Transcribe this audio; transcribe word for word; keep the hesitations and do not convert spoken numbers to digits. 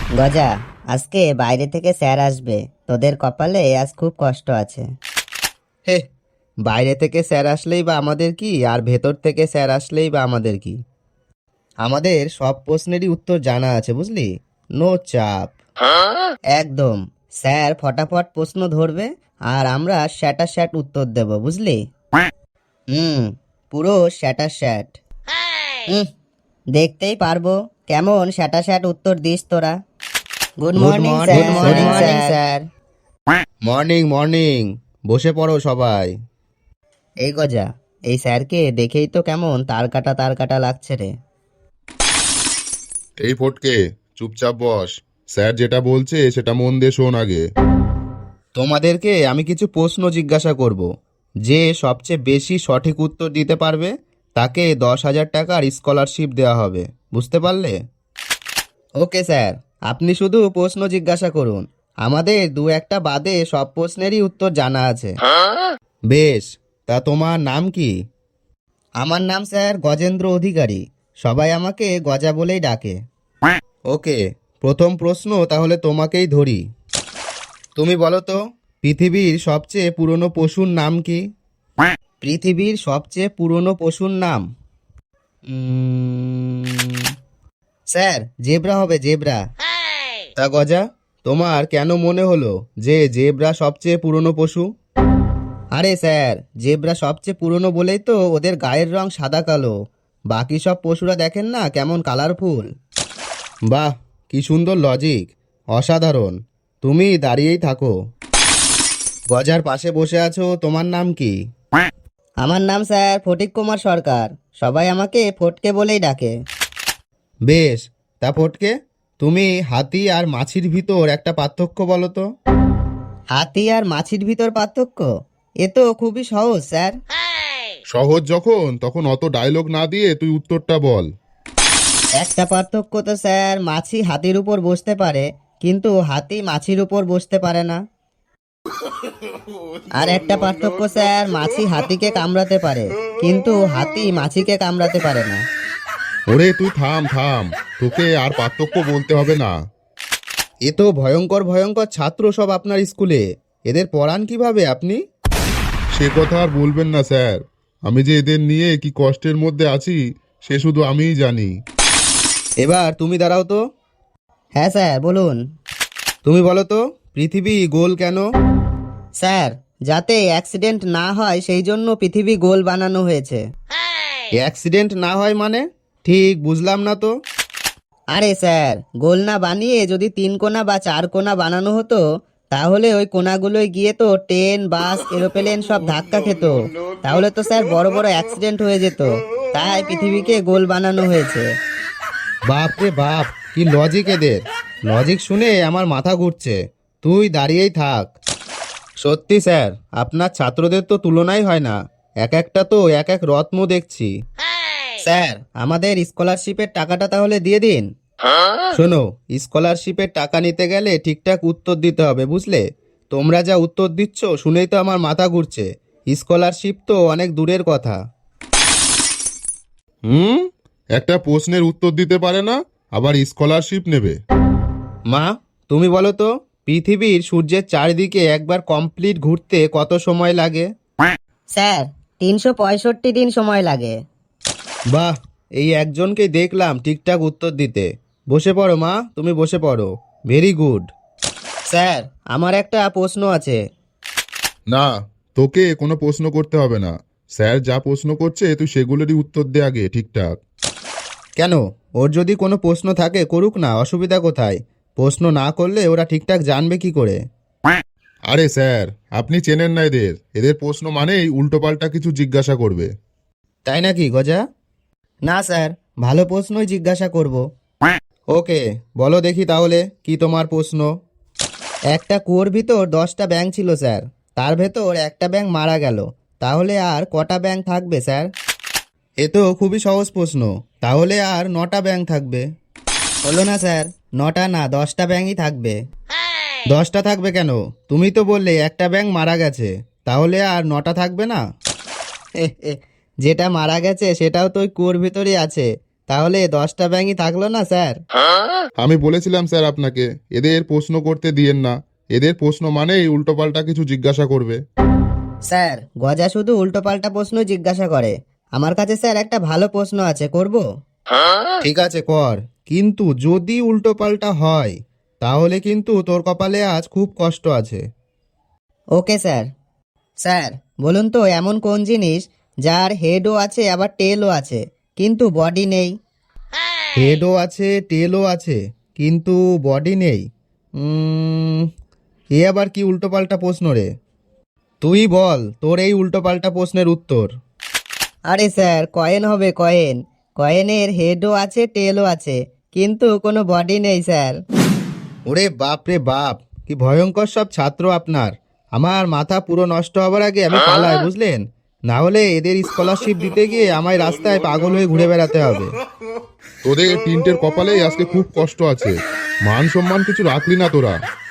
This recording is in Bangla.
গজা, আজকে বাইরে থেকে স্যার আসবে, তোদের কপালে আজ খুব কষ্ট আছে। হে, বাইরে থেকে স্যার আসলেই বা আমাদের কি, আর ভেতর থেকে স্যার আসলেই বা আমাদের কি? আমাদের সব প্রশ্নেরই উত্তর জানা আছে, বুঝলি? নো চাপ। একদম, স্যার ফটাফট প্রশ্ন ধরবে আর আমরা স্যাটা স্যাট উত্তর দেব, বুঝলি? হুম, পুরো স্যাটা স্যাট। হুম, দেখতেই পারবো কেমন স্যাটা স্যাট উত্তর দিস তোরা। Good morning sir. Good morning sir. Morning morning, বসে পড়ো সবাই। এই গজা, এই স্যারকে দেখেই তো কেমন তার কাটা তার কাটা লাগছে রে। এই ফটকে, চুপচাপ বস। স্যার যেটা বলছে সেটা মন দিয়ে শোন আগে। তোমাদেরকে আমি কিছু প্রশ্ন জিজ্ঞাসা করব। যে সবচেয়ে বেশি সঠিক উত্তর দিতে পারবে তাকে দশ হাজার টাকার স্কলারশিপ দেওয়া হবে, বুঝতে পারলে? ওকে স্যার, আপনি শুধু প্রশ্ন জিজ্ঞাসা করুন, আমাদের দু একটা বাদে সব প্রশ্নেরই উত্তর জানা আছে। বেশ, তা তোমার নাম কি? আমার নাম স্যার গজেন্দ্র অধিকারী, সবাই আমাকে গজা বলেই ডাকে। ওকে, প্রথম প্রশ্ন তাহলে তোমাকেই ধরি। তুমি বলো তো, পৃথিবীর সবচেয়ে পুরনো পশুর নাম কি? পৃথিবীর সবচেয়ে পুরনো পশুর নাম? উম, স্যার জেব্রা হবে, জেব্রা। তা গজা, তোমার কেন মনে হলো যে জেব্রা সবচেয়ে পুরনো পশু? আরে স্যার, জেব্রা সবচেয়ে পুরনো বলেই তো ওদের গায়ের রং সাদা কালো, বাকি সব পশুরা দেখেন না কেমন কালারফুল। বাহ, কি সুন্দর লজিক, অসাধারণ। তুমি দাঁড়িয়েই থাকো। গজার পাশে বসে আছো, তোমার নাম কি? আমার নাম স্যার ফটিক কুমার সরকার, সবাই আমাকে ফটকে বলেই ডাকে। বেশ, তা ফটকে, তুমি হাতি আর মাছির ভিতর একটা পার্থক্য বলো তো। হাতি আর মাছির ভিতর পার্থক্য? এ তো খুবই সহজ স্যার। সহজ যখন, তখন অত ডায়লগ না দিয়ে তুই উত্তরটা বল। একটা পার্থক্য তো স্যার, মাছি হাতির উপর বসতে পারে কিন্তু হাতি মাছির উপর বসতে পারে না। আর একটা পার্থক্য স্যার, মাছি হাতিকে কামড়াতে পারে কিন্তু হাতি মাছিকে কামড়াতে পারে না। ওরে তুই থাম থাম, তোকে আর পার্থক্য বলতে হবে না। এ তো ভয়ঙ্কর ভয়ঙ্কর ছাত্র সব আপনার স্কুলে, এদের পড়ান কিভাবে আপনি? সে কথা আর বলবেন না স্যার, আমি যে এদের নিয়ে কি কষ্টের মধ্যে আছি সে শুধু আমিই জানি। এবার তুমি দাঁড়াও তো। হ্যাঁ স্যার বলুন। তুমি বলো তো, পৃথিবী গোল কেন? স্যার, যাতে অ্যাক্সিডেন্ট না হয় সেই জন্য পৃথিবী গোল বানানো হয়েছে। অ্যাক্সিডেন্ট না হয় মানে? ঠিক বুঝলাম না তো। আরে স্যার, গোল না বানিয়ে যদি তিন কোণা বা চার কোণা বানানো হতো তাহলে ওই কোণাগুলোয় গিয়ে তো ট্রেন, বাস, এরোপ্লেন সব ধাক্কা খেত, তাহলে তো স্যার বড় বড় অ্যাক্সিডেন্ট হয়ে যেত। তাই পৃথিবীকে গোল বানানো হয়েছে। বাপ রে বাপ, কি লজিক এদের! লজিক শুনে আমার মাথা ঘুরছে। তুই দাঁড়িয়েই থাক। সত্যি স্যার, আপনার ছাত্রদের তো তুলনাই হয় না, এক একটা তো এক এক রত্ন দেখছি। স্যার, আমাদের স্কলারশিপের টাকাটা তাহলে দিয়ে দিন। শোনো, স্কলারশিপের টাকা নিতে গেলে ঠিকঠাক উত্তর দিতে হবে, বুঝলে? তোমরা যা উত্তর দিচ্ছ শুনেই তো আমার মাথা ঘুরছে। স্কলারশিপ তো অনেক দূরের কথা। হুম, একটা প্রশ্নের উত্তর দিতে পারে না, আবার স্কলারশিপ নেবে? মা, তুমি বলো তো, পৃথিবীর সূর্যের চারিদিকে একবার কমপ্লিট ঘুরতে কত সময় লাগে? স্যার, তিনশো পঁয়ষট্টি দিন সময় লাগে। বাহ, এই একজনকেই দেখলাম ঠিকঠাক উত্তর দিতে। বসে পড়ো মা, তুমি বসে পড়ো। Very good. স্যার, আমার একটা প্রশ্ন আছে। না, তোকে কোনো প্রশ্ন করতে হবে না। স্যার যা প্রশ্ন করছে তুই সেগুলোরই উত্তর দে আগে ঠিকঠাক। কেন? ওর যদি কোনো প্রশ্ন থাকে করুক না, অসুবিধা কোথায়? প্রশ্ন না করলে ওরা ঠিকঠাক জানবে কি করে? আরে স্যার, আপনি চেনেন না এদের, এদের প্রশ্ন মানেই উল্টোপাল্টা কিছু জিজ্ঞাসা করবে। তাই নাকি গজা? না স্যার, ভালো প্রশ্নই জিজ্ঞাসা করব। ওকে, বলো দেখি তাহলে কি তোমার প্রশ্ন। একটা কুয়োর ভিতর দশটা ব্যাঙ ছিল স্যার, তার ভেতর একটা ব্যাঙ মারা গেল, তাহলে আর কটা ব্যাঙ থাকবে স্যার? এ তো খুবই সহজ প্রশ্ন, তাহলে আর নটা ব্যাঙ থাকবে। হলো না স্যার, নটা না, দশটা ব্যাঙই থাকবে। দশটা থাকবে কেন? তুমি তো বললে একটা ব্যাঙ মারা গেছে, তাহলে আর নটা থাকবে না? যেটা মারা গেছে সেটাও তো ওই কুয়োর ভিতরই আছে, তাহলে দশটা ব্যাঙই থাকলো না স্যার? আমি বলেছিলাম স্যার আপনাকে এদের প্রশ্ন করতে দিয়েন না, এদের প্রশ্ন মানেই উল্টোপাল্টা কিছু জিজ্ঞাসা করবে। স্যার, গজা শুধু উল্টোপাল্টা প্রশ্ন জিজ্ঞাসা করে। আমার কাছে স্যার একটা ভালো প্রশ্ন আছে, করব? ঠিক আছে কর, কিন্তু যদি উল্টো পাল্টা হয় তাহলে কিন্তু তোর কপালে আজ খুব কষ্ট আছে। Okay sir. স্যার বলুন তো, এমন কোন জিনিস যার হেডও আছে আবার টেলও আছে কিন্তু বডি নেই? হেডও আছে, টেলও আছে, কিন্তু বডি নেই। উম, এ আবার কি উল্টোপাল্টা প্রশ্ন রে? তুই বল তোর এই উল্টোপাল্টা প্রশ্নের উত্তর। আরে স্যার, কয়েন হবে, কয়েন। কয়েনের হেডও আছে টেলও আছে কিন্তু কোনো বডি নেই স্যার। ওরে বাপ রে বাপ, কি ভয়ঙ্কর সব ছাত্র আপনার! আমার মাথা পুরো নষ্ট হবার আগে আমি পালাই, বুঝলেন? না হলে এদের স্কলারশিপ দিতে গিয়ে আমায় রাস্তায় পাগল হয়ে ঘুরে বেড়াতে হবে। তোদের তিনটের কপালেই আজকে খুব কষ্ট আছে, মান সম্মান কিছু রাখলি না তোরা।